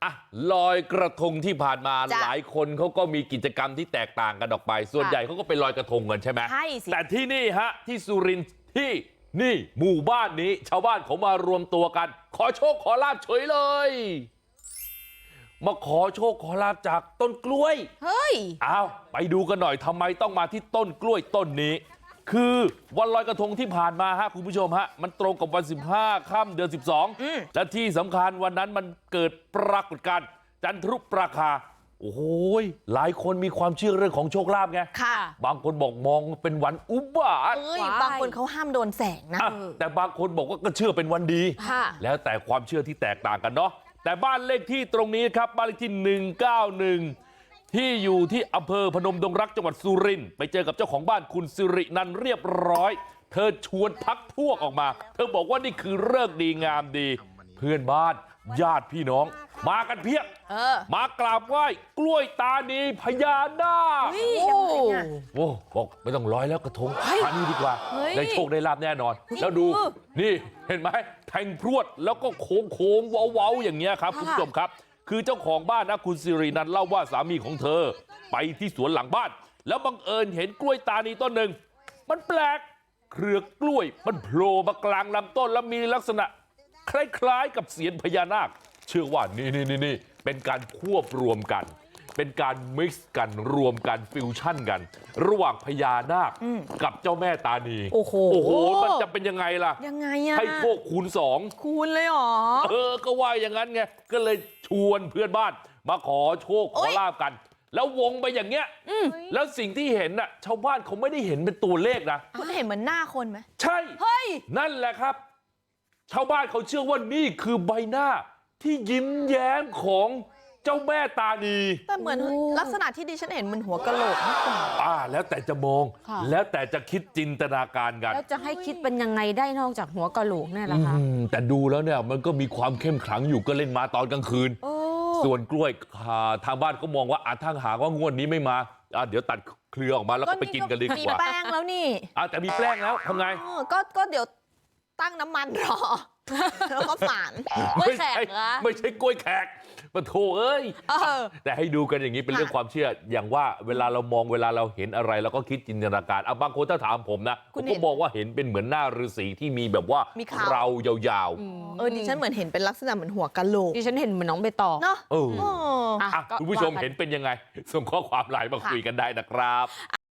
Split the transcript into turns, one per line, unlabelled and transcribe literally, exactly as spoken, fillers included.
อ่ะลอยกระทงที่ผ่านมาหลายคนเขาก็มีกิจกรรมที่แตกต่างกันออกไปส่วนใหญ่เขาก็ไปลอยกระทงกันใช่ไหม
ใช่สิ
แต่ที่นี่ฮะที่สุรินทร์ที่นี่หมู่บ้านนี้ชาวบ้านเขามารวมตัวกัน ขอโชคขอลาภเฉยเลยมาขอโชคขอลาภจากต้นกล้วย
เฮ้ย
อ้าวไปดูกันหน่อยทำไมต้องมาที่ต้นกล้วยต้นนี้คือวันลอยกระทงที่ผ่านมาฮะคุณผู้ชมฮะมันตรงกับวันสิบห้าค่ำเดือนสิบสองและที่สำคัญวันนั้นมันเกิดปรากฏการณ์จันทรุปราคาโอ้โหหลายคนมีความเชื่อเรื่องของโชคลาภไง
ค่ะ
บางคนบอกมองเป็นวันอุบาท
บางคนเขาห้ามโดนแสงนะ
แต่บางคนบอกว่าก็เชื่อเป็นวันดีแล้วแต่ความเชื่อที่แตกต่างกันเนาะแต่บ้านเลขที่ตรงนี้ครับบ้านเลขที่หนึ่งเก้าหนึ่งที่อยู่ที่อำเภอพนมดงรักจังหวัดสุรินทร์ไปเจอกับเจ้าของบ้านคุณสิรินันท์เรียบร้อยเธอชวนพักพวกออกมาเธอบอกว่านี่คือฤกษ์ดีงามดีเพื่อนบ้านญาติพี่น้องมากันเพียบมากราบไหว้กล้วยตานีพญานาคโอ้บอกไม่ต้องร้อยแล้วกระทงมานี่ดีกว่าได้โชคได้ลาภแน่นอนแล้วดูนี่เห็นไหมแทงพรวดแล้วก็โค้งโค้งเว้าๆอย่างเงี้ยครับคุณผู้ชมครับคือเจ้าของบ้านนะคุณสิรินันท์เล่าว่าสามีของเธอไปที่สวนหลังบ้านแล้วบังเอิญเห็นกล้วยตานีต้นหนึ่งมันแปลกเครือกล้วยมันโผล่มากลางลำต้นแล้วมีลักษณะคล้ายๆกับเสียญพญานาคเชื่อว่านี่นี่นี่เป็นการควบรวมกันเป็นการมิกซ์กันรวมกันฟิวชั่นกันระหว่างพญานาคกับเจ้าแม่ตานี
โอ้โห
โอ้โหมันจะเป็นยังไงล่ะ
ยังไงอะ
ให้โชคคูณสอง
คูณเลยหรอ
เออก็ว่าอย่างนั้นไงก็เลยชวนเพื่อนบ้านมาขอโชคขอลาภกันแล้ววงไปอย่างเงี้ยแล้วสิ่งที่เห็นน่ะชาวบ้านเขาไม่ได้เห็นเป็นตัวเลขนะ
คุณเห็นเหมือนหน้าคนไหม
ใช่
เฮ้ย
นั่นแหละครับชาวบ้านเขาเชื่อว่านี่คือใบหน้าที่ยิ้มแย้มของเจ้าแม่ตานี
แต่เหมือนลักษณะที่ดิฉันเห็นมันหัวกะโหลกมากกว่า
อ่าแล้วแต่จะมองแล้วแต่จะคิดจินตนาการกัน
แล้วจะให้คิดเป็นยังไงได้นอกจากหัวกะโหลกเนี่ยล่ะคะ
แต่ดูแล้วเนี่ยมันก็มีความเข้มขลังอยู่ก็เล่นมาตอนกลางคืนส่วนกล้วยทางบ้านก็มองว่าอาทางหากว่างวดนี้ไม่มาเดี๋ยวตัดเครือออกมาแล้วก็ไปกินกันดีกว่า
มีแป้งแล้วนี่
แต่มีแป้งแล้วทำไง
ก็ก็เดี๋ยวตั้งน้ำมันรอแล้วก็ฝาน
กล้วยแขกนะไม่ใช่กล้วยแขกปะโถเอ้ยแต่ให้ดูกันอย่างนี้เป็นเรื่องความเชื่ออย่างว่าเวลาเรามองเวลาเราเห็นอะไรเราก็คิดจินตนาการเอาบางคนถ้าถามผมนะผมก็มองว่าเห็นเป็นเหมือนหน้าฤาษีที่มีแบบว่าเรายาว
ๆเออดิฉันเหมือนเห็นเป็นลักษณะเหมือนหัวกะโหลก
ดิฉันเห็นเหมือนน้องใบตอง
เนาะ
เออคุณผู้ชมเห็นเป็นยังไงส่งข้อความไลน์มาคุยกันได้นะครับ